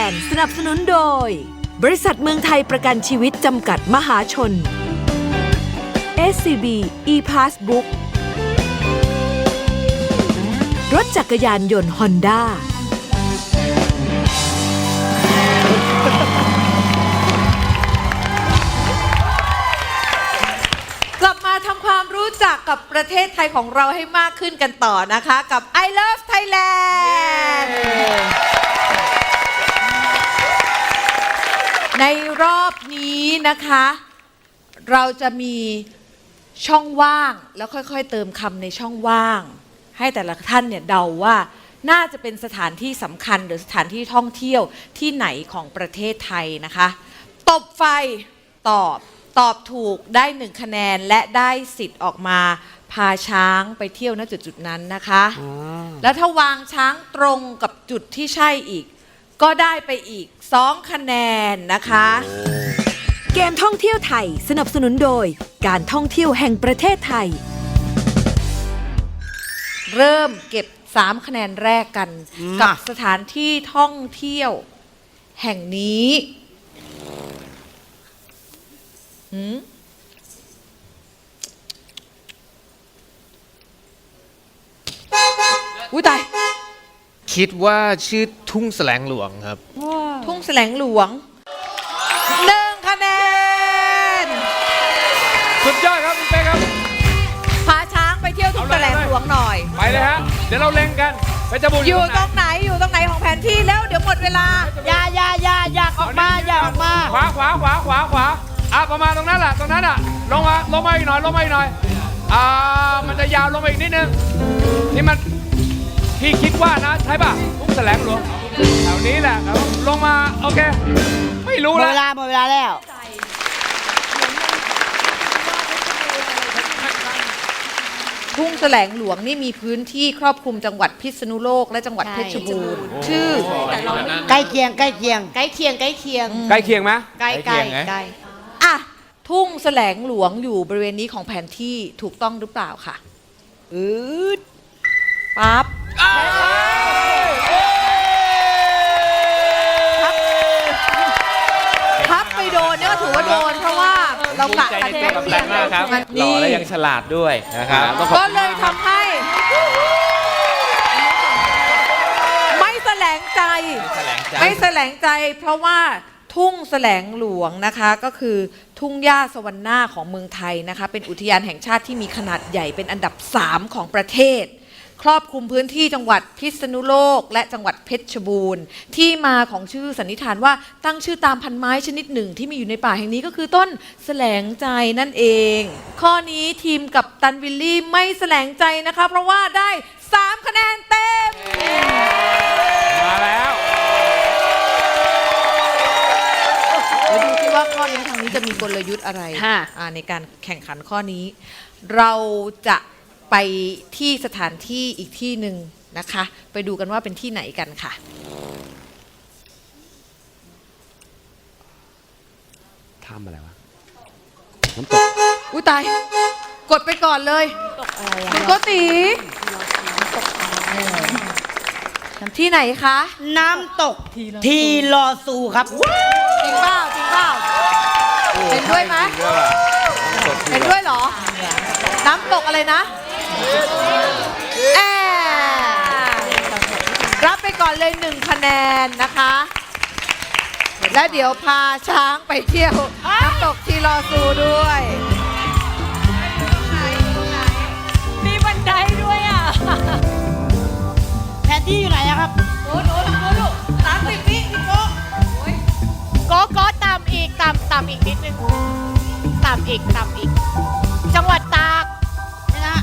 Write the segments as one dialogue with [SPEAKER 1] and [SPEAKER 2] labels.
[SPEAKER 1] นด์สนับสนุนโดยบริษัทเมืองไทยประกันชีวิตจำกัดมหาชน SCB ePassbook รถจักรยานยนต์ Honda
[SPEAKER 2] กลับมาทำความรู้จักกับประเทศไทยของเราให้มากขึ้นกันต่อนะคะกับ I Love Thailand ในรอบนี้นะคะ เราจะมีช่องว่างแล้วค่อยๆเติมคำในช่องว่าง ให้แต่ละท่านเนี่ยเดาว่าน่าจะเป็นสถานที่สำคัญหรือสถานที่ท่องเที่ยวที่ไหนของประเทศไทยนะคะตบไฟตอบถูกได้1คะแนนและได้สิทธิ์ออกมาพาช้างไปเที่ยวณจุดๆนั้นนะคะแล้วถ้าวางช้างตรงกับจุดที่ใช่อีกก็ได้ไปอีก2คะแนนนะคะ
[SPEAKER 1] เกมท่องเที่ยวไทยสนับสนุนโดยการท่องเที่ยวแห่งประเทศไทย
[SPEAKER 2] เริ่มเก็บ3คะแนนแรกกันกับสถานที่ท่องเที่ยวแห่งนี้อุ้ยตาย
[SPEAKER 3] คิดว่าชื่อทุ่งแสลงหลวงครับ
[SPEAKER 2] ทุ่งแสลงหลวง1คะแนน
[SPEAKER 4] สุดยอดครับคุณเป้ครับ
[SPEAKER 2] พาช้างไปเที่ยวทุ่งแสลงหลวงหน่อย
[SPEAKER 4] ไปเลยฮะเดี๋ยวเราเล็งกันเพชรบูรณ์
[SPEAKER 2] อยู่ตรงไหนของแผนที่แล้วเดี๋ยวหมดเวลา
[SPEAKER 5] อยากออกมา
[SPEAKER 4] ขวาประมาณตรงนั้นแหละลงมาอีกหน่อยมันจะยาวลงมาอีกนิดนึงนี่มันพี่คิดว่านะใช่ป่ะทุ่งแสลงหลวงแถวนี้แหละครับลงมาโอเคไม่รู้แล้ว
[SPEAKER 5] หมดเวลาแล้ว
[SPEAKER 2] ทุ่งแสลงหลวงนี่มีพื้นที่ครอบคลุมจังหวัดพิษณุโลกและจังหวัดเพชรบูรณ์ชื่อ
[SPEAKER 5] ใกล้เคียง
[SPEAKER 2] ใกล้เคียงไหม
[SPEAKER 4] ใกล้เคียง
[SPEAKER 2] อ่ะทุ่งแสลงหลวงอยู่บริเวณนี้ของแผนที่ถูกต้องหรือเปล่าค่ะปั๊บพับไปโดนเนี่ยก็ถือว่าโดนเพราะว่าเรากะกันใกล้เคียง
[SPEAKER 4] ครับหล่อและยังฉลาดด้วยนะครับ
[SPEAKER 2] ก็เลยทำให้ไม่แสลงใจเพราะว่าทุ่งแสลงหลวงนะคะก็คือทุ่งหญ้าสวรรณาของเมืองไทยนะคะเป็นอุทยานแห่งชาติที่มีขนาดใหญ่เป็นอันดับ3ของประเทศครอบคลุมพื้นที่จังหวัดพิษณุโลกและจังหวัดเพชรบูรณ์ที่มาของชื่อสันนิษฐานว่าตั้งชื่อตามพันไม้ชนิดหนึ่งที่มีอยู่ในป่าแห่งนี้ก็คือต้นแสลงใจนั่นเองข้อนี้ทีมกัปตันวิลลี่ไม่แสลงใจนะคะเพราะว่าได้3คะแนนเต็ม
[SPEAKER 4] มาแล้ว
[SPEAKER 2] ดูสิว่าข้อนี้ทางนี้จะมีกลยุทธ์อะไรในการแข่งขันข้อนี้เราจะไปที่สถานที่อีกที่หนึ่งนะคะไปดูกันว่าเป็นที่ไหนกันค่ะ
[SPEAKER 4] ทำอะไรวะ
[SPEAKER 2] น้ำตกอุ้ยตายกดไปก่อนเลยคุณโกติที่ไหนคะ
[SPEAKER 5] น้ำตกทีลอซูครับ
[SPEAKER 2] จริงเปล่าเป็นด้วยไหมเป็นด้วยเหรอน้ำตกอะไรนะรับไปก่อนเลย1คะแนนนะคะแล้วเดี๋ยวพาช้างไปเที่ยวน้ำตกทีลอซูด้วย
[SPEAKER 5] มีบันไดด้วยอ่ะแผนที่อยู่ไหนอะครับ
[SPEAKER 2] โอ้โห30 วิพี่
[SPEAKER 6] ก็ต่ำอีกนิดนึงต่ำอีกจังหวัดตาก
[SPEAKER 5] นี่นะ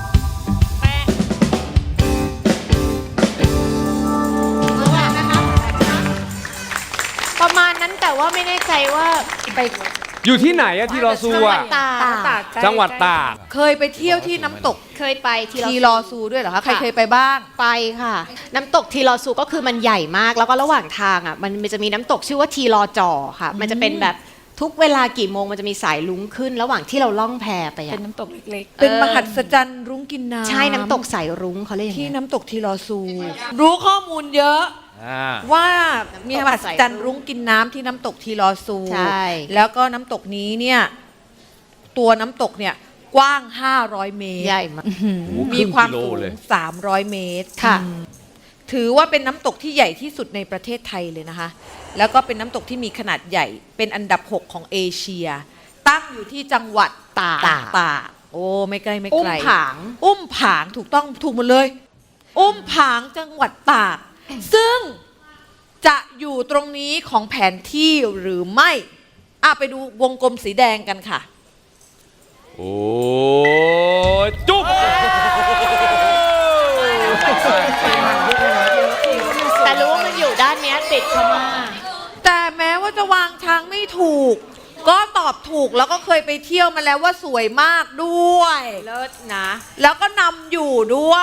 [SPEAKER 6] ประมาณนั้นแต่ว่าไม่แน่ใจว่าไป
[SPEAKER 4] อยู่ที่ไหนอะทีลอซูอะจังหวัดตาก
[SPEAKER 2] เคยไปเที่ยวที่น้ำตก
[SPEAKER 6] เคยไป
[SPEAKER 2] ทีลอซูด้วยเหรอคะใครเคยไปบ้าง
[SPEAKER 6] ไปค่ะน้ำตกทีลอซูก็คือมันใหญ่มากแล้วก็ระหว่างทางอ่ะมันจะมีน้ำตกชื่อว่าทีลอจอค่ะมันจะเป็นแบบทุกเวลากี่โมงมันจะมีสายลุ้งขึ้นระหว่างที่เราล่องแพไป
[SPEAKER 2] เป็นน้ำตกเล็กๆเป็นมหัศจรรย์รุ้งกินน้ำ
[SPEAKER 6] ใช่น้ำตกสายรุ้งเขาเรียก
[SPEAKER 2] ที่น้ำตกทีลอซูรู้ข้อมูลเยอะว่ามีมหัศจรรย์รุ้งกินน้ำที่น้ำตกทีลอซู
[SPEAKER 6] ใช่
[SPEAKER 2] แล้วก็น้ำตกนี้เนี่ยตัวน้ำตกเนี่ยกว้าง 500 เมตร
[SPEAKER 6] ใหญ่มาก
[SPEAKER 2] มีความสู
[SPEAKER 4] ครึ่งกิโล
[SPEAKER 2] ง
[SPEAKER 4] เลย
[SPEAKER 2] 300 เมตร
[SPEAKER 6] ค่ะ
[SPEAKER 2] ถือว่าเป็นน้ำตกที่ใหญ่ที่สุดในประเทศไทยเลยนะคะ แล้วก็เป็นน้ำตกที่มีขนาดใหญ่ เป็นอันดับ 6 ของเอเชีย ตั้งอยู่ที่จังหวัดตากโอ้ไม่ไกลไม่
[SPEAKER 6] อุ้
[SPEAKER 2] ไก
[SPEAKER 6] ม
[SPEAKER 2] ล
[SPEAKER 6] ผาง
[SPEAKER 2] อุ้มผางถูกต้องถูกหมดเลย อุ้มผางจังหวัดตาก ซึ่งจะอยู่ตรงนี้ของแผนที่หรือไม่ไปดูวงกลมสีแดงกันค่ะ
[SPEAKER 4] โอ้ยจุ๊บ
[SPEAKER 6] แต่รู้ว่ามันอยู่ด้านเนี้ยติดพม่า
[SPEAKER 2] แต่แม้ว่าจะวางช้างไม่ถูก ก็ตอบถูกแล้วก็เคยไปเที่ยวมาแล้วว่าสวยมากด้วย
[SPEAKER 6] เลิศนะ
[SPEAKER 2] แล้วก็นำอยู่ด้วย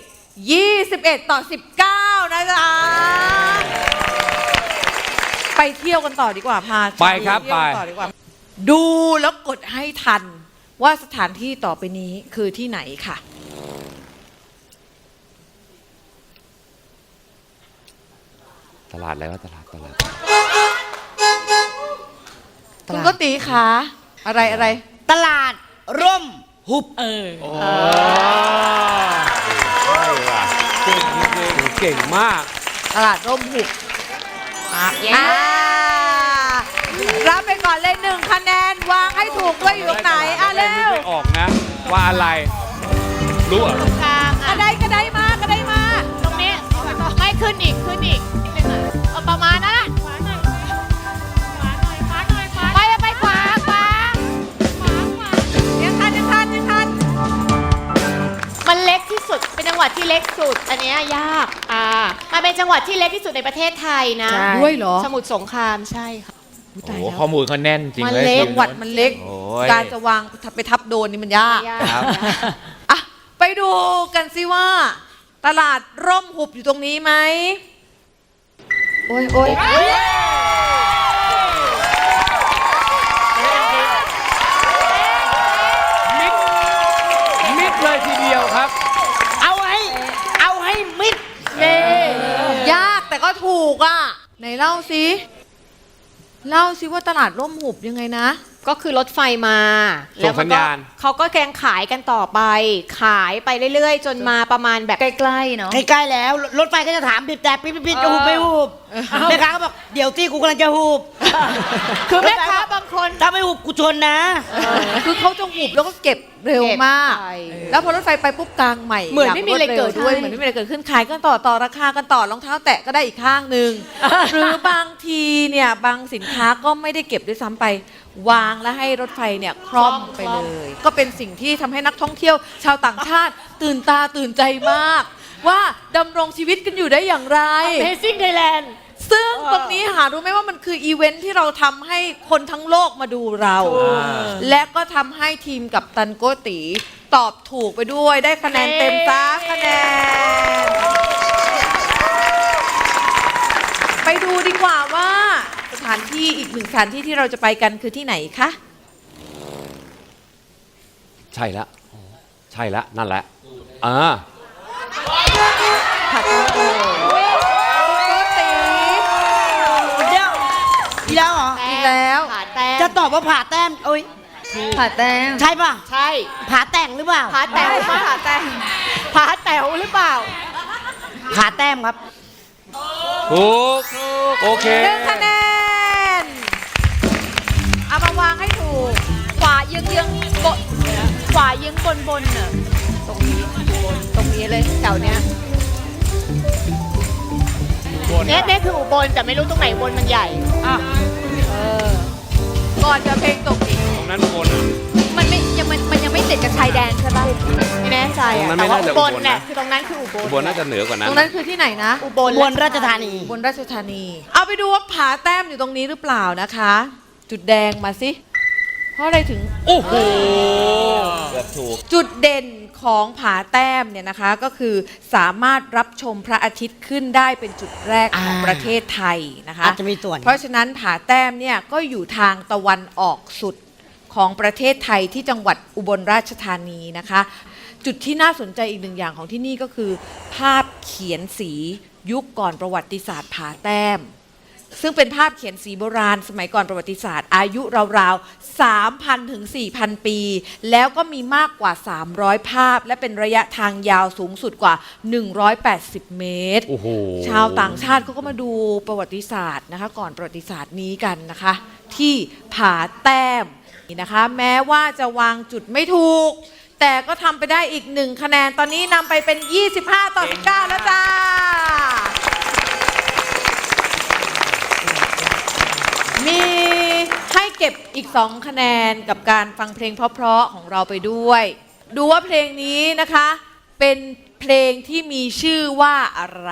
[SPEAKER 2] 21-19 นะจ๊ะ ไปเที่ยวกันต่อดีกว่าพา
[SPEAKER 4] ไปครับ
[SPEAKER 2] เที่ยวกัน
[SPEAKER 4] ไป
[SPEAKER 2] ต่อดีกว่า ดูแล้วกดให้ทันว่าสถานที่ต่อไปนี้คือที่ไหนค่ะ
[SPEAKER 4] ตลาดอะไรวะตลาด
[SPEAKER 2] คุณก็ตีคะอะไร
[SPEAKER 5] ตลาดร่มหุบ
[SPEAKER 4] เก่งมาก
[SPEAKER 2] ตลาดร่มหุบรับไปก่อนเลย1 คะแนน วางให้ถูกด้วยอยู่ตรงไหนเร็ว
[SPEAKER 4] ไม่ออกนะ ว่าอะไร รู้เหรอ
[SPEAKER 6] กลาง
[SPEAKER 2] ก
[SPEAKER 6] อ่ะ
[SPEAKER 2] ระไดมา
[SPEAKER 6] ตรงนี้ไม่ขึ้นอีกนิดนึงอ่ะเอาประมาณนั้นอ่ะไปขวา
[SPEAKER 2] ยังทัน
[SPEAKER 6] มันเล็กที่สุดเป็นจังหวัดที่เล็กสุด อันเนี้ยยากมันเป็นจังหวัดที่เล็กที่สุดในประเทศไทยนะ
[SPEAKER 2] ด้วยเหรอ
[SPEAKER 6] สมุทรสงครามใช่ค่ะ
[SPEAKER 3] โอ้โหข้อมูลเขาแน่นจริง
[SPEAKER 6] มัน
[SPEAKER 3] เลย
[SPEAKER 6] เล็ก
[SPEAKER 2] จังหวัดมันเล็ก
[SPEAKER 3] โอ้ย
[SPEAKER 2] การจะวางไปทับโดนนี่มันยาก
[SPEAKER 3] ครับ
[SPEAKER 2] อ่ะไปดูกันสิว่า ตลาดร่มหุบอยู่ตรงนี้ไหมโอ้ย
[SPEAKER 4] มิดเลยทีเดียวครับ
[SPEAKER 5] เอาให้มิด
[SPEAKER 2] ยากแต่ก็ถูกอ่ะ ไหนเล่าสิว่าตลาดร่มหุบยังไงนะ
[SPEAKER 6] ก็คือรถไฟมา
[SPEAKER 4] ส่งสัญญาณ
[SPEAKER 6] เขาก็แกงขายกันต่อไป ขายไปเรื่อยๆ จนมาประมาณแบบใกล้ๆเนาะ
[SPEAKER 5] ใกล้ๆแล้ว รถไฟก็จะถามบีบแต่ปิดจะหุบไม่หุบแม่ค้าก็บอกเดี๋ยวที่กูกำลังจะหุบ
[SPEAKER 6] คือแม่ค้าบางคน
[SPEAKER 5] ถ้าไม่หุบกูชนนะ
[SPEAKER 2] คือเขาจะหุบแล้วก็เก็บเร็วมาก
[SPEAKER 6] เก็บไป
[SPEAKER 2] แล้วพอรถไฟไปปุ๊บกลางใหม่
[SPEAKER 6] เหมือนไม่มีอะไรเกิด
[SPEAKER 2] ด้วย
[SPEAKER 6] ใช่
[SPEAKER 2] เหมือนไม่มีอะไรเกิดขึ้นขายกันต่อราคากันต่อรองเท้าแตะก็ได้อีกข้างหนึ่ง หรือบางทีเนี่ยบางสินค้าก็ไม่ได้เก็บด้วยซ้ำไป วางแล้วให้รถไฟเนี่ยคล่อมไปเลย ก็เป็นสิ่งที่ทำให้นักท่องเที่ยว ชาวต่างชาติตื่นตาตื่นใจมาก ว่าดำรงชีวิตกันอยู่ได้อย่างไร
[SPEAKER 6] Amazing Thailand
[SPEAKER 2] ซึ่งตรงนี้หารู้ไหมว่ามันคืออีเวนท์ที่เราทำให้คนทั้งโลกมาดูเรา และก็ทำให้ทีมกับตันโกตีตอบถูกไปด้วยได้คะแนนเต็ม3 คะแนน ไปดูดีกว่าว่าสถานที่อีก1 สถานที่ที่เราจะไปกันคือที่ไหนคะ
[SPEAKER 4] ใช่แล้วนั่นแหละ
[SPEAKER 2] โกตี
[SPEAKER 5] เดี๋ยวอีกแล้วเหรอ
[SPEAKER 2] อีกแล้ว
[SPEAKER 6] ผาแต้ม
[SPEAKER 5] จะตอบว่าผ่าแต้มโอ้ย
[SPEAKER 6] ผาแต้ม
[SPEAKER 5] ใช่ป่ะ
[SPEAKER 6] ใช่
[SPEAKER 5] ผ่าแต่งหรือเปล่า
[SPEAKER 6] ผาแต้มผาแต้มผาแต๋วหรือเปล่า
[SPEAKER 5] ผ่าแต้มครับ
[SPEAKER 4] ถูกโอเค
[SPEAKER 2] 1 คะแนน เอามาวางให้ถูก
[SPEAKER 6] ขวาเยื้องบนขวาเยื้องบนน่ะตรงนี้ตรงนี้เลยแถวเนี้ยเนี่ยคืออุบลแต่ไม่รู้ตรงไหนอุบลมันใหญ่
[SPEAKER 2] ก่อนจะเพลงตกอีก
[SPEAKER 4] ตรงนั้นบนอ่ะ
[SPEAKER 6] มันยังไม่ติดกับชายแดนใช่ป่ะไม่แน่ใจ
[SPEAKER 4] ตรงนั้
[SPEAKER 6] อะ
[SPEAKER 4] น
[SPEAKER 6] แต่
[SPEAKER 4] ไม่
[SPEAKER 6] ว่า
[SPEAKER 4] น่าจะ
[SPEAKER 6] อุบล
[SPEAKER 4] อุบลนะ
[SPEAKER 6] เนี่ยคือตรงนั้นคืออุบล
[SPEAKER 4] บนน่าจะเหนือกว่านั้น
[SPEAKER 2] ตรงนั้นคือที่ไหนนะ
[SPEAKER 6] อุบล
[SPEAKER 5] อุบลราชธานี
[SPEAKER 2] บนราชธานี เอาไปดูว่าผาแต้มอยู่ตรงนี้หรือเปล่านะคะ จุดแดงมาสิ เพราะอะไรถึง
[SPEAKER 4] โอ้โห
[SPEAKER 3] เกือบถูก
[SPEAKER 2] จุดเด่นของผาแต้มเนี่ยนะคะก็คือสามารถรับชมพระอาทิตย์ขึ้นได้เป็นจุดแรกของประเทศไทยนะคะ
[SPEAKER 5] อาจจะมีส่วน
[SPEAKER 2] เพราะฉะนั้นผาแต้มเนี่ยก็อยู่ทางตะวันออกสุดของประเทศไทยที่จังหวัดอุบลราชธานีนะคะ จุดที่น่าสนใจอีก1 อย่างของที่นี่ก็คือ ภาพเขียนสียุคก่อนประวัติศาสตร์ผาแต้ม ซึ่งเป็นภาพเขียนสีโบราณ สมัยก่อนประวัติศาสตร์ อายุราวๆ 3,000 ถึง 4,000 ปี แล้วก็มีมากกว่า 300 ภาพ และเป็นระยะทางยาวสูงสุดกว่า 180 เมตร
[SPEAKER 3] โอ้โห
[SPEAKER 2] ชาวต่างชาติเขาก็มาดูประวัติศาสตร์นะคะ ก่อนประวัติศาสตร์นี้กันนะคะ ที่ผาแต้มนี่นะคะ แม้ว่าจะวางจุดไม่ถูก แต่ก็ทำไปได้อีก 1 คะแนน ตอนนี้นำไปเป็น 25 ต่อ 19 แล้วจ้า มีให้เก็บอีก 2 คะแนนกับการฟังเพลงเพราะๆของเราไปด้วย ดูว่าเพลงนี้นะคะ เป็นเพลงที่มีชื่อว่าอะไร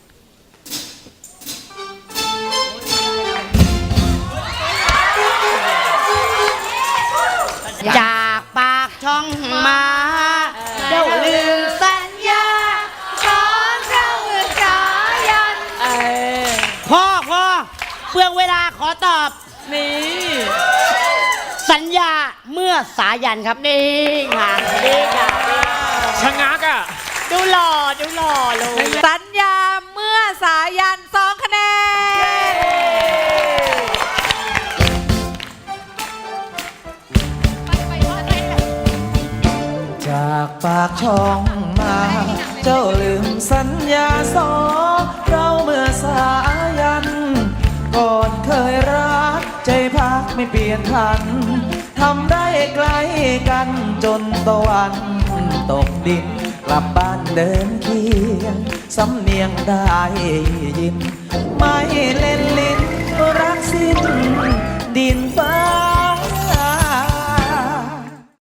[SPEAKER 5] จากปากช่องมาเจ้าลืมสัญญาสอนเราสายันพ่อเปลืองเวลาขอตอบนี่สัญญาเมื่อสายันครับนี่ค่ะนี่ค่ะ
[SPEAKER 3] ชะงักอ่ะ
[SPEAKER 5] ดูหล่อเลย
[SPEAKER 2] สัญญาเมื่อสายัน 2 คะแนน
[SPEAKER 7] จากปากช่องมา เจ้าลืมสัญญาสองเราเมื่อสายัน ก่อนเคยรักใจพักไม่เปลี่ยนพันทำได้ใกล้กันจนตะวันตกดิน กลับบ้านเดินเคียงสำเนียงได้ยิน ไม่เล่นลิ้นรักสิ้นดินฟ้า